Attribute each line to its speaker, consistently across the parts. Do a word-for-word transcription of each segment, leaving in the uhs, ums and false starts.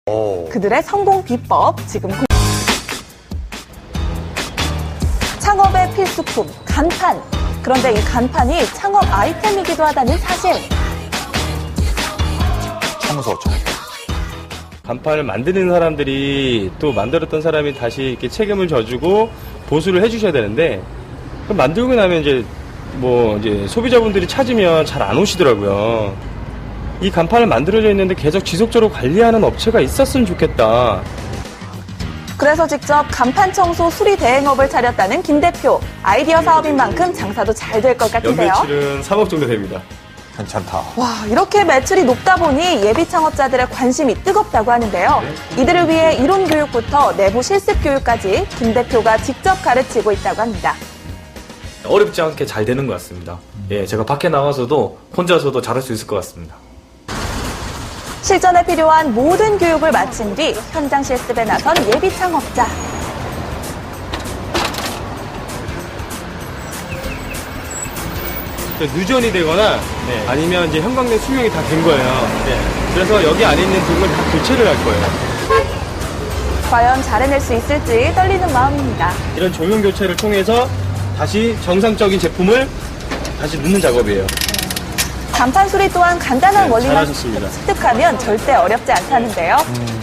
Speaker 1: 오.
Speaker 2: 그들의 성공 비법 지금 공... 창업의 필수품 간판. 그런데 이 간판이 창업 아이템이기도 하다는 사실.
Speaker 1: 청소, 청소.
Speaker 3: 간판을 만드는 사람들이 또 만들었던 사람이 다시 이렇게 책임을 져주고 보수를 해주셔야 되는데, 그럼 만들고 나면 이제 뭐 이제 소비자분들이 찾으면 잘 안 오시더라고요. 이 간판을 만들어져 있는데 계속 지속적으로 관리하는 업체가 있었으면 좋겠다.
Speaker 2: 그래서 직접 간판 청소 수리 대행업을 차렸다는 김 대표. 아이디어 사업인 만큼 장사도 잘 될 것 같은데요.
Speaker 3: 연매출은 삼억 정도 됩니다.
Speaker 1: 괜찮다.
Speaker 2: 와, 이렇게 매출이 높다 보니 예비 창업자들의 관심이 뜨겁다고 하는데요. 이들을 위해 이론 교육부터 내부 실습 교육까지 김 대표가 직접 가르치고 있다고 합니다.
Speaker 4: 어렵지 않게 잘 되는 것 같습니다. 예, 제가 밖에 나가서도 혼자서도 잘할 수 있을 것 같습니다.
Speaker 2: 실전에 필요한 모든 교육을 마친 뒤 현장 실습에 나선 예비 창업자.
Speaker 3: 누전이 되거나
Speaker 4: 네.
Speaker 3: 아니면 이제 형광등 수명이 다 된 거예요.
Speaker 4: 네.
Speaker 3: 그래서 여기 안에 있는 등을 다 교체를 할 거예요.
Speaker 2: 과연 잘 해낼 수 있을지 떨리는 마음입니다.
Speaker 3: 이런 조명 교체를 통해서 다시 정상적인 제품을 다시 넣는 작업이에요.
Speaker 2: 간판 수리 또한 간단한
Speaker 3: 네,
Speaker 2: 원리만
Speaker 3: 잘하셨습니다.
Speaker 2: 습득하면 절대 어렵지 않다는데요.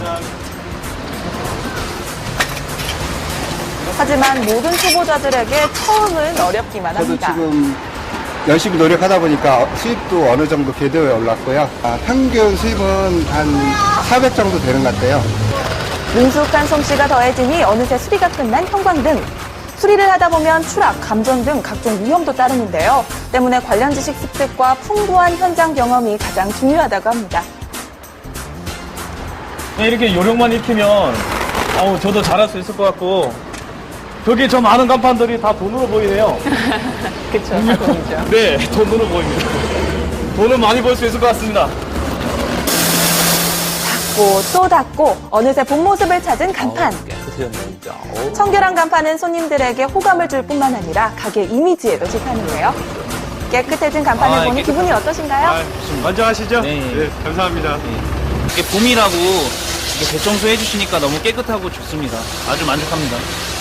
Speaker 2: 하지만 모든 초보자들에게 처음은 어렵기만
Speaker 5: 저도
Speaker 2: 합니다.
Speaker 5: 지금 열심히 노력하다 보니까 수입도 어느 정도 궤도에 올랐고요. 아, 평균 수입은 한 사백 정도 되는 것 같아요.
Speaker 2: 능숙한 솜씨가 더해지니 어느새 수리가 끝난 형광등. 수리를 하다 보면 추락, 감전 등 각종 위험도 따르는데요. 때문에 관련 지식 습득과 풍부한 현장 경험이 가장 중요하다고 합니다.
Speaker 4: 이렇게 요령만 익히면 어우, 저도 잘할 수 있을 것 같고, 저기 저 많은 간판들이 다 돈으로 보이네요.
Speaker 2: 그렇죠. 돈이죠.
Speaker 4: 네, 돈으로 보입니다. 돈을 많이 벌 수 있을 것 같습니다.
Speaker 2: 닫고 또 닫고 어느새 본 모습을 찾은 간판.
Speaker 1: 깨끗해졌네, 진짜. 어우.
Speaker 2: 청결한 간판은 손님들에게 호감을 줄 뿐만 아니라 가게 이미지에도 좋다는데요. 깨끗해진 간판을
Speaker 4: 아,
Speaker 2: 보니
Speaker 4: 깨끗하다.
Speaker 2: 기분이 어떠신가요?
Speaker 3: 먼저 하시죠?
Speaker 4: 네.
Speaker 3: 감사합니다.
Speaker 6: 이게 봄이라고 이게 대청소 해주시니까 너무 깨끗하고 좋습니다. 아주 만족합니다.